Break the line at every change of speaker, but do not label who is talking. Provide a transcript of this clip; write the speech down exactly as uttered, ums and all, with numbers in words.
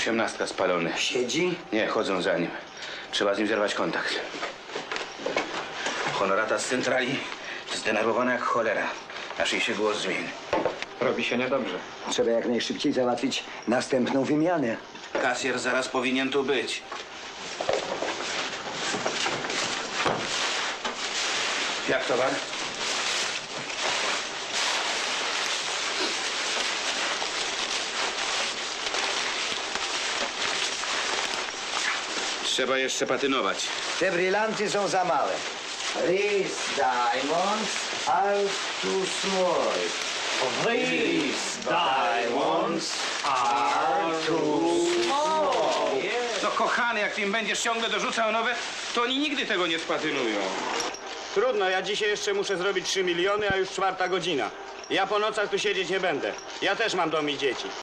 Osiemnastka spalony.
Siedzi?
Nie, chodzą za nim. Trzeba z nim zerwać kontakt. Honorata z centrali zdenerwowana jak cholera. Aż jej się głos zmieni.
Robi się niedobrze.
Trzeba jak najszybciej załatwić następną wymianę.
Kasjer zaraz powinien tu być. Jak towar? Trzeba jeszcze patynować.
Te brylanty są za małe. These diamonds are too small.
These diamonds are too small.
No kochany, jak ty im będziesz ciągle dorzucał nowe, to oni nigdy tego nie spatynują.
Trudno, ja dzisiaj jeszcze muszę zrobić trzy miliony, a już czwarta godzina. Ja po nocach tu siedzieć nie będę. Ja też mam dom i dzieci.